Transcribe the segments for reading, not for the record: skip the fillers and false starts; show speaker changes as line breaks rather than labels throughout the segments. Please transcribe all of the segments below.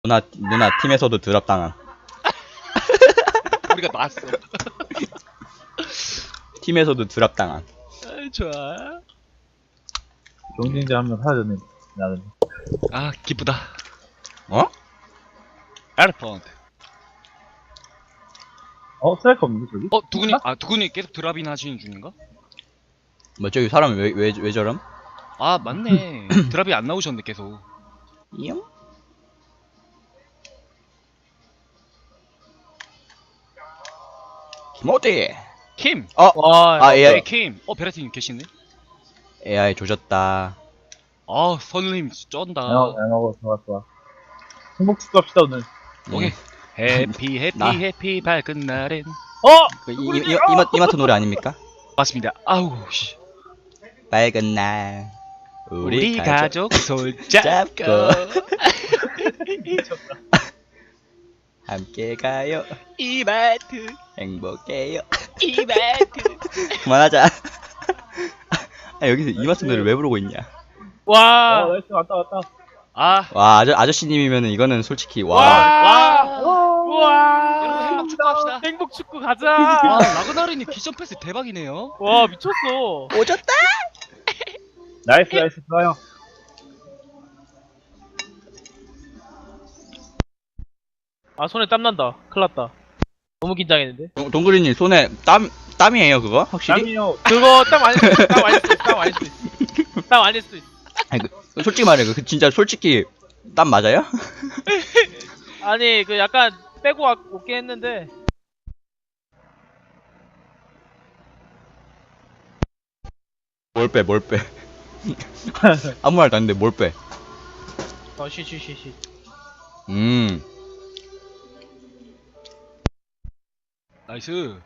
누나 팀에서도 드랍 당한.
우리가 나왔어.
팀에서도 드랍 당한.
아, 좋아.
경쟁자 한 명 사라졌네. 나는.
아, 기쁘다.
어?
에르펀트.
스트라이커 없는데, 저기?
두근이 계속 드랍이나 하시는 중인가?
뭐 저기 사람 왜 저럼?
아, 맞네. 드랍이 안 나오셨네, 계속.
이용? 김어디.
킴!
와,
AI.
네, 킴! 베라틴 계시네?
AI 조졌다.
아, 선우님 쩐다.
잘 먹어. 좋아. 행복 축구합시다, 오늘.
오케이. 해피,
나-
해피, 밝은 날엔.
그 이마트 노래 아닙니까?
맞습니다. 아우, 씨.
밝은 날
우리 가족 손잡고.
함께 가요.
이마트,
행복해요.
이마트.
그만하자. 아, 여기서 이마트 노래 왜 부르고 있냐?
와,
나이스, 왔다.
아,
와 아저씨님이면은 이거는 솔직히 와.
와.
우와.
여러분 행복 축구합시다.
행복 축구 가자.
와, 라그나르님 기전 패스 대박이네요.
와, 미쳤어.
오졌다.
나이스, 좋아요.
아, 손에 땀 난다. 큰일 났다. 너무 긴장했는데.
동그리님 손에 땀이에요 그거 확실히?
땀이요.
그거 땀 아닐 수도 있어. 땀 아닐 수도 있어. 땀 아닐 수도 있어. 땀 아닐 수도 있어.
아니, 솔직히 말해 그 진짜 솔직히 땀 맞아요?
아니, 그 약간 빼고 올게 했는데.
뭘 빼? 아무 말도 안 했는데 뭘 빼?
쉬.
나이스.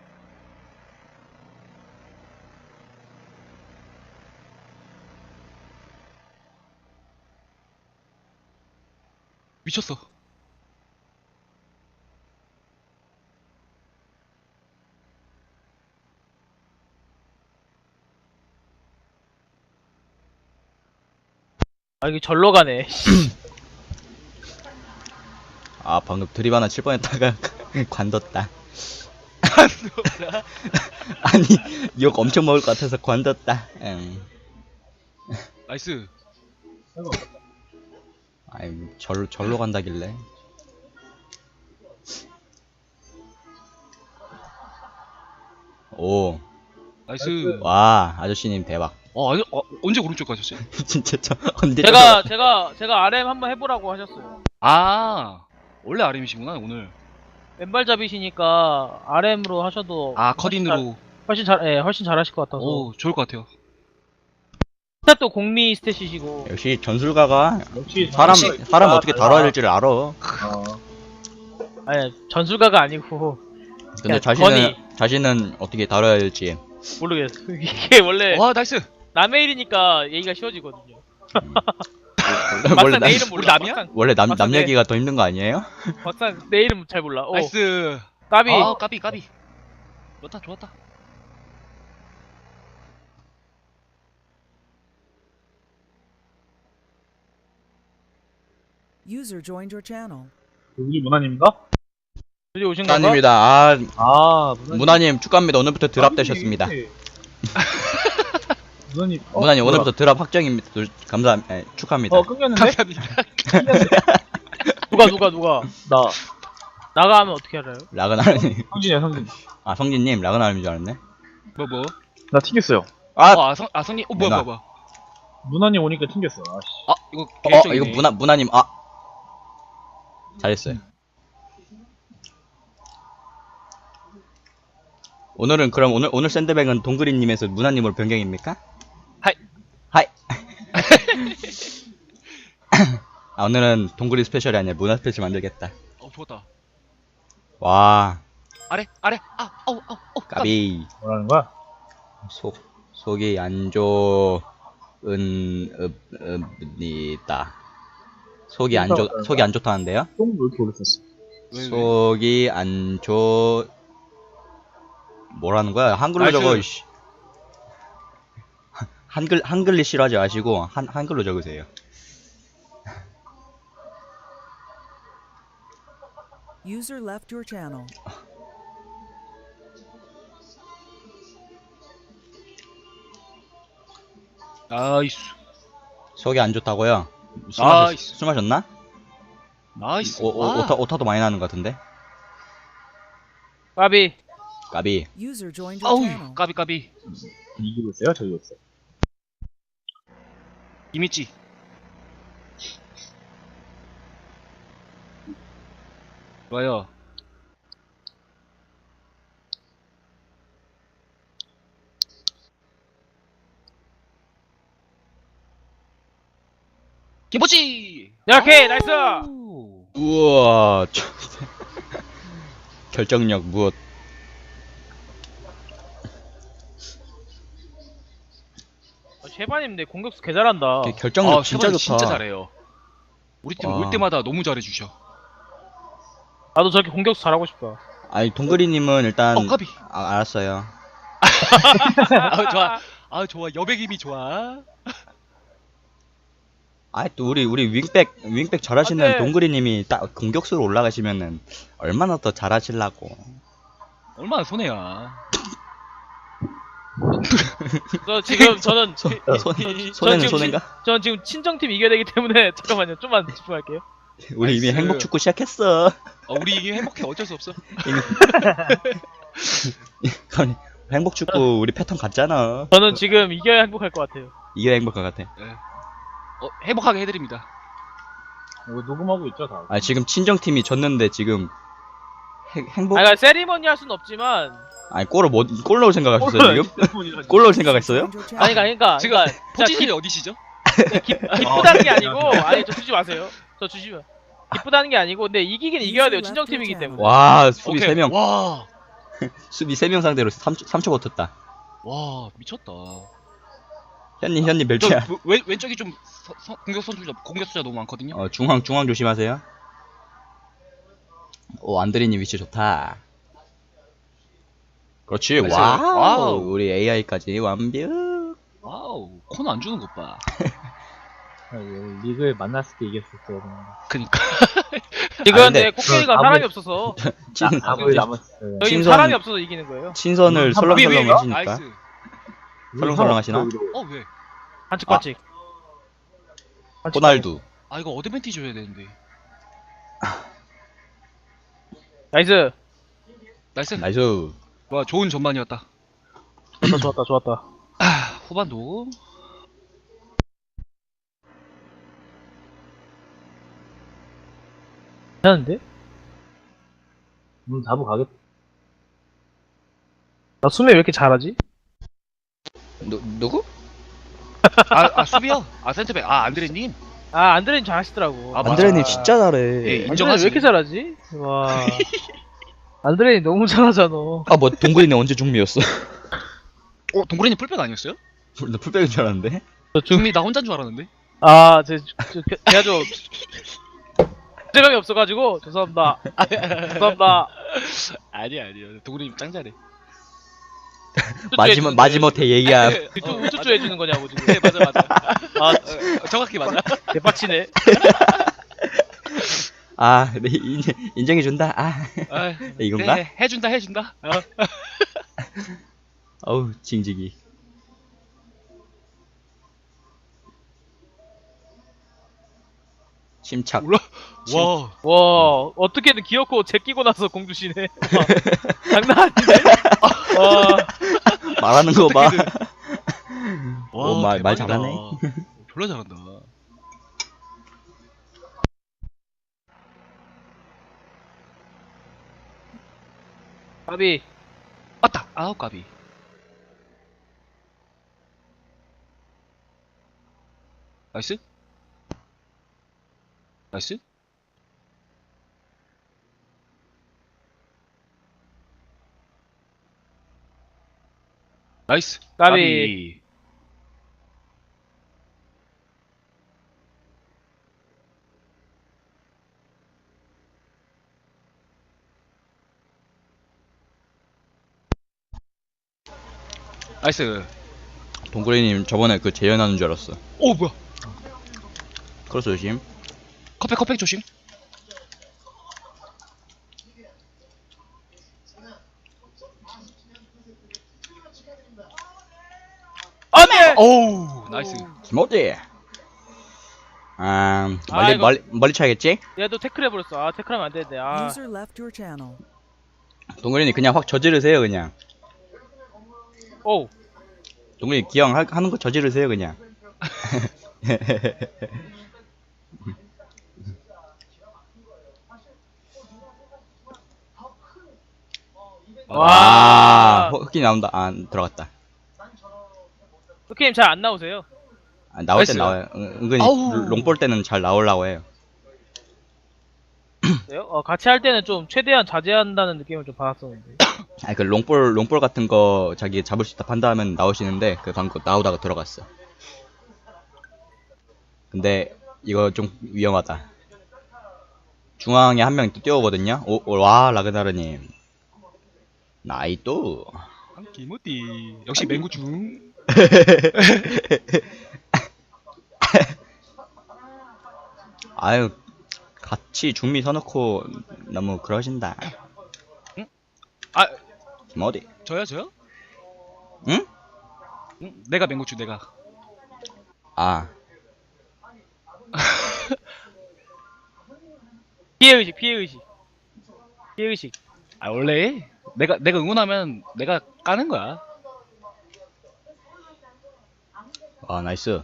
미쳤어.
아, 이게 절로 가네.
아 방금 드립 하나 칠 뻔했다가 관뒀다. 아니 욕 엄청 먹을 것 같아서 관뒀다.
나이스.
아이 절로 간다길래. 오.
나이스.
와 아저씨님 대박.
아니, 언제 오른쪽 가셨어요?
진짜 저 언제
제가 RM 한번 해보라고 하셨어요.
아, 원래 RM이시구나, 오늘.
왼발잡이시니까 RM으로 하셔도.
아, 컷인으로.
훨씬 잘하실 것 같아서.
오, 좋을 것 같아요.
스탯 또 공미 스탯이시고.
역시 전술가가
역시
사람 어떻게 다뤄야 될지를 알아.
아니, 전술가가 아니고.
근데
야,
자신은 어떻게 다뤄야 될지.
모르겠어. 이게 원래
와, 나이스.
남의 일이니까 얘기가 쉬워지거든요.
원래
막상 내 이름
우리
몰라.
남이야?
원래 남
맞아, 네.
얘기가 더 힘든 거 아니에요?
막상 내 이름 잘 몰라.
나이스.
까비.
아, 까비. 좋았다.
User joined your channel.
여기 문화님인가?
드디어 오신 건가?
문화님이다.
문화님.
문화님 축하합니다. 오늘부터 드랍 되셨습니다.
문화님.
문화님 오늘부터 드랍 확정입니다. 축하합니다.
끊겼는데?
감사합니다.
누가?
나.
나가 하면 어떻게 알아요?
라그나르님.
성진.
아 성진님 라그나르님 줄 알았네.
뭐?
나 튕겼어요.
성님.
누나.
뭐야.
문화님 오니까 튕겼어. 아씨.
아, 이거 개인적이네.
이거 문화님 잘했어요. 오늘은 그럼 오늘 샌드백은 동그리님에서 문화님으로 변경입니까? 하이. 아 오늘은 동그리 스페셜이 아니라 문화 스페셜 만들겠다.
좋았다.
와
아래. 아우.
까비.
뭐라는 거야?
속이 안 좋은읍니다. 속이 안 좋다는데요?
똥왜 이렇게 오래 썼어?
속이 안 좋... 뭐라는 거야? 한글로
나이스.
적어, 이씨. 한글리 싫어하지 마시고, 한글로 적으세요.
User left your channel.
나이스.
속이 안 좋다고요?
나이스.
술 마셨나?
나이스.
오타도 많이 나는 것 같은데?
까비.
까비.
User joined your channel.
아우, 까비.
이기고 있어요? 저기고 있어요?
이미지. 좋아요. 김포치!
야, 오케이, 나이스!
우와. 결정력 무엇?
셰바님인데 공격수 개 잘한다.
결정력 진짜
셰바님
좋다.
진짜 잘해요. 우리 팀
와.
올 때마다 너무 잘해주셔.
나도 저렇게 공격수 잘하고 싶다.
아니 동그리님은 일단
까비.
알았어요.
아, 좋아. 아, 좋아. 여백 힘이 좋아.
아이 또 우리 윙백 잘하시는
안 돼.
동그리님이 딱 공격수로 올라가시면은 얼마나 더 잘하실라고.
얼마나 손해야.
저 지금 저는
손해는
지금
손해인가?
저는 지금 친정팀 이겨야 되기 때문에 잠깐만요. 좀만 집중할게요.
우리 이미
나이스.
행복 축구 시작했어.
우리 이게 행복해. 어쩔 수 없어.
아니, 행복 축구 우리 패턴 같잖아.
저는 지금 이겨야 행복할 것 같아요.
이게 행복할 것 같아.
행복하게 해드립니다.
이거 녹음하고 있죠, 다?
아 지금 친정팀이 졌는데 지금 행복.
그러니까 세리머니 할 수는 없지만
아니 골 넣을 생각하셨어요 지금? 골 넣을 생각했어요?
Joined your channel.
그러니까
지금 포지션이 어디시죠?
기쁘다는 게 아니고 아니 저 주지 마세요. 저 주시면 기쁘다는 게 아니고 근데 이기긴 이겨야 돼요. 친정팀이기 때문에.
와 수비
오케이.
3명
와,
수비 3명 상대로 3초 버텼다.
와, 미쳤다.
현님 몇
저
개야?
왼쪽이 좀 공격수자 너무 많거든요.
중앙 조심하세요. 오 안드레님 위치 좋다. 그렇지.
나이스.
와우.
와우.
우리 AI까지 완벽.
와우, 코너 안 주는 것 봐.
리그에 만났을 때 이겼을 때.
그니까.
지금
아, 근데
내 코끼리가
아무리-
사람이 없어서
아무리 남았어요.
저희
친선-
사람이 없어서 이기는 거예요.
친선을 설렁설렁 하시니까.
나이스.
설렁설렁 하시나?
왜?
반칙.
호날두.
아, 이거 어드밴티지 줘야 되는데.
나이스.
나이스.
나이스.
와, 좋은 전반이었다.
좋았다.
후반도.
괜찮은데?
다부 가겠다.
나 수미 왜 이렇게 잘하지?
누구?
수비요? 센터백. 안드레님.
아 안드레님 잘하시더라고.
맞아.
안드레님 진짜 잘해.
예,
안드레님 왜
인정하지.
이렇게 잘하지? 와. 안드레님 너무 잘하잖아.
아 뭐 동그리님 언제 중미였어?
동그레님 풀백 아니었어요?
나 풀백인 줄 알았는데.
중미 나 혼자인 줄 알았는데.
제가 좀 재명이 없어가지고 죄송합니다. 죄송합니다.
아니야. 동그레님 짱 잘해.
마지못해 얘기야.
우쭈쭈 해주는 거냐고 지금.
네, 맞아.
아
정확히 맞아.
개빡치네.
아, 네, 인정해준다. 이건가?
네, 해준다.
어우, 징징이. 침착.
와.
와 어떻게든 귀엽고 제끼고 나서 공주시네. 장난 아닌데? 와
말하는 거 봐.
와,
말
대박이다.
잘하네.
졸라 잘한다.
까비.
맞다. 아우, 까비. 나이스. 나이스.
까비.
나이스.
동그리님 저번에 그 재연하는 줄 알았어.
오, 뭐야.
크로스 조심.
컵백 조심. 어우, 나이스.
김어디. 아,
아, 이거-
멀리 쳐야겠지?
얘도 태클 해버렸어. 아 태클하면 안 되는데. 아
User left your channel.
동그린이 그냥 확 저지르세요 그냥.
오.
동그린이 기왕 하는 거 저지르세요 그냥.
와.
흑기 나온다. 아, 들어갔다.
흑님 잘 안 나오세요.
아, 나올 땐
나이스.
나와요. 은근히
아우.
롱볼 때는 잘 나오려고 해요.
그래요? 같이 할 때는 좀 최대한 자제한다는 느낌을 좀 받았었는데.
아니 그 롱볼 같은 거 자기 잡을 수 있다 판단하면 나오시는데 그 방금 나오다가 들어갔어. 근데 이거 좀 위험하다. 중앙에 한 명 또 뛰어오거든요. 와 라그나르님. 나이또.
김어디. 역시 맹구중.
아유 같이 중미 서놓고 너무 그러신다.
아,
어디?
저요?
응?
응? 내가 맹구중, 내가.
아
피해의식, 피해의식. 피해의식.
아, 원래 내가 응원하면 내가 까는 거야.
와 나이스.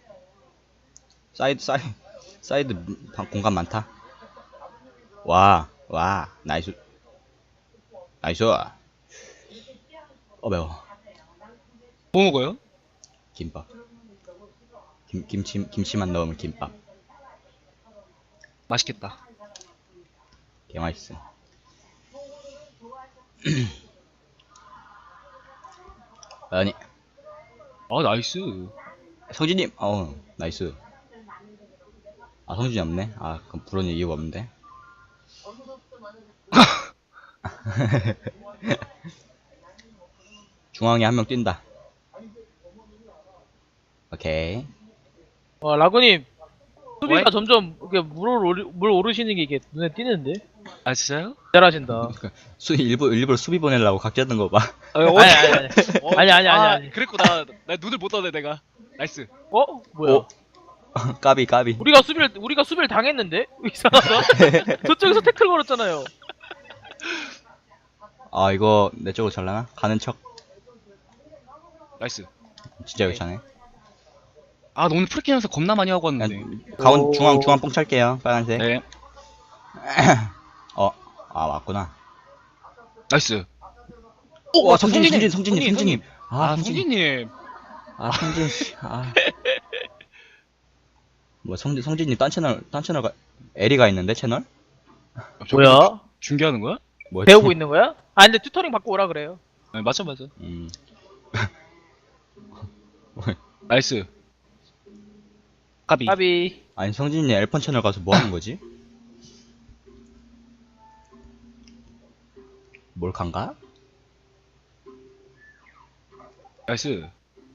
사이드 공간 많다. 와 나이스. 매워.
뭐 먹어요?
김밥. 김치만 넣으면 김밥.
맛있겠다.
개 맛있어. 아니
아, 나이스.
성진님, 나이스. 아 성진이 없네. 아 그럼 부르는 이유가 없는데. 중앙에 한 명 뛴다. 오케이.
라구님. 수비가
왜?
점점 이렇게 물 오르시는 게 이게 눈에 띄는데.
아, 진짜요?
잘하신다.
일부러 수비 보내려고 각 잡는 거 봐.
아니.
그랬구나. 나 눈을 못 떠네, 내가. 나이스.
뭐야?
까비.
우리가 수비를 당했는데? 이상하다. 저쪽에서 태클 걸었잖아요.
아 이거 내 쪽으로 잘라나? 가는 척.
나이스.
진짜 여기 차네.
아, 너 오늘 프리킥 연습 겁나 많이 하고 왔는데.
중앙 뽕 찰게요. 빨간색.
네.
맞구나.
나이스.
와 성진님.
아, 성진님.
성진 씨. 뭐 성진님 딴 채널가 에리가 있는데 채널?
뭐야?
중계하는 거야?
뭐였지?
배우고 있는 거야? 근데 튜터링 받고 오라 그래요.
네, 맞아.
음.
나이스. 까비.
까비.
아니 성진이 엘펀 채널 가서 뭐 하는 거지? 몰칸가?
나이스.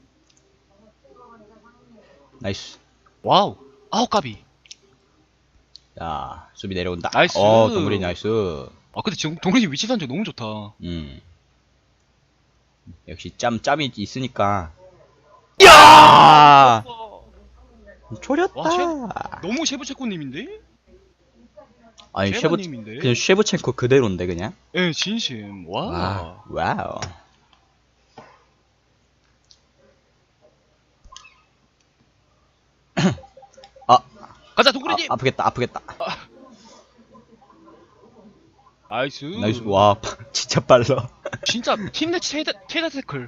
나이스.
와우. 아우, 까비.
야 수비 내려온다.
나이스.
동물이 나이스.
아, 근데 지금 동근이 위치 선정 너무 좋다.
역시 짬이 있으니까. 야 초렸다.
와, 너무 셰브체코님인데?
아니
셰브님인데?
그냥 쉐브첸코 그대로인데 그냥.
예, 진심. 와.
와우.
가자, 동근이님!
아프겠다.
나이스.
나이스. 와 진짜 빨라.
진짜 팀내 최다 태클.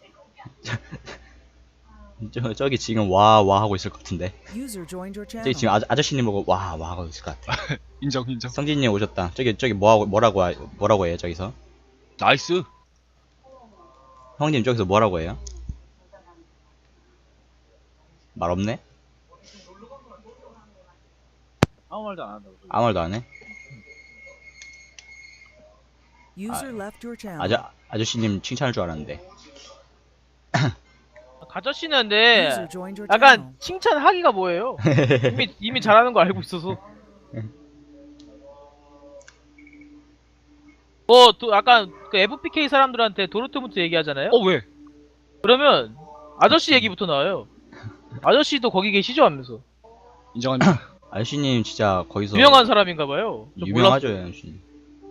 저기 지금 와 하고 있을 것 같은데.
User joined your
저기
channel.
지금 아저씨님 보고 와 하고 있을 것 같아.
인정.
성진님 오셨다. 저기 뭐라고 해요 저기서?
나이스.
형님 저기서 뭐라고 해요? 말 없네?
아무 말도 안 한다고.
아무 말도 안 해?
User left your channel.
아저씨님 칭찬할 줄 알았는데.
가져씨는데
User joined your channel.
약간 칭찬하기가 뭐예요? 이미 잘하는 거 알고 있어서. 또 약간 그 FPK 사람들한테 도르트문트 얘기하잖아요.
왜?
그러면 아저씨 얘기부터 나와요. 아저씨도 거기 계시죠 하면서.
인정합니다.
아저씨님 진짜 거기서
유명한 사람인가봐요.
유명하죠, 아저씨.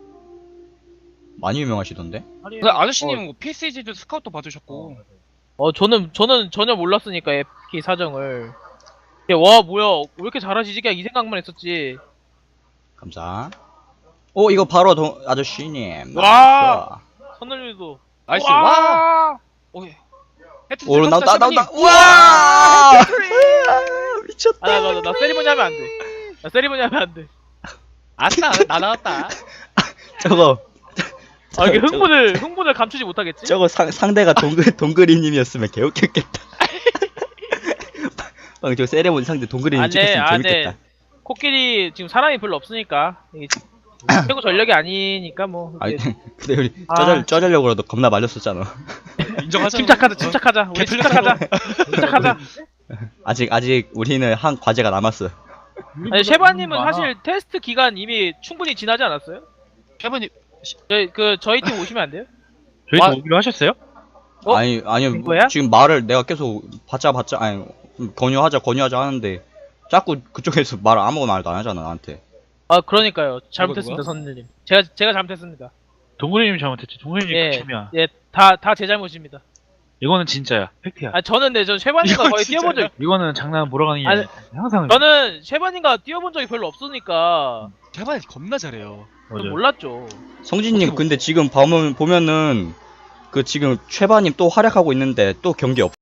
많이 유명하시던데?
근데 아저씨님은 뭐 PSG도 스카우트 받으셨고.
저는 전혀 몰랐으니까 FK 사정을. 와 뭐야 왜 이렇게 잘하시지? 그냥 이 생각만 했었지.
감사. 오, 이거 바로 아저씨님.
와! 선늘도
나이스. 와. 오케이. 해튼
오, 나온다.
세븐님.
우와! 미쳤다.
나 세리머니 하면 안 돼. 나 세리머니 하면 안 돼.
아싸, 나 나왔다.
저거
이게 흥분을 감추지 못하겠지?
저거 상대가 동그리님이었으면 개웃겼겠다. 방금 저 세레모니 상대 동그리님 찍혔으면 재밌겠다.
코끼리 지금 사람이 별로 없으니까 이게 최고 전력이 아니니까 뭐.
아니,
이게
근데 우리
아.
쩌려고라도 겁나 말렸었잖아.
인정하자.
침착하자. 우리 침착하자.
아직 우리는 한 과제가 남았어.
아니 셰바님은 사실 테스트 기간 이미 충분히 지나지 않았어요?
셰바님
저희 팀 오시면 안 돼요?
저희
와.
또 오기로 하셨어요?
어?
아니요.
된 거야?
지금 말을 내가 계속 받자 아니 권유하자 하는데 자꾸 그쪽에서 말 아무거나 말도 안 하잖아 나한테.
그러니까요. 잘못했습니다, 선생님. 제가 잘못했습니다.
동그리님 잘못했지. 동그리님
예.
극혐이야.
예, 다 제 잘못입니다.
이거는 진짜야. 팩트야.
저는 저 셰바님과
이건
거의
진짜야?
뛰어본 적,
이거는 장난 몰아가는 게
아니,
아니야. 항상
저는 셰바님과 뛰어본 적이 별로 없으니까
셰바님 겁나 잘해요.
맞아.
좀 몰랐죠.
성진님 근데 지금 보면은 그 지금 최바님 또 활약하고 있는데 또 경기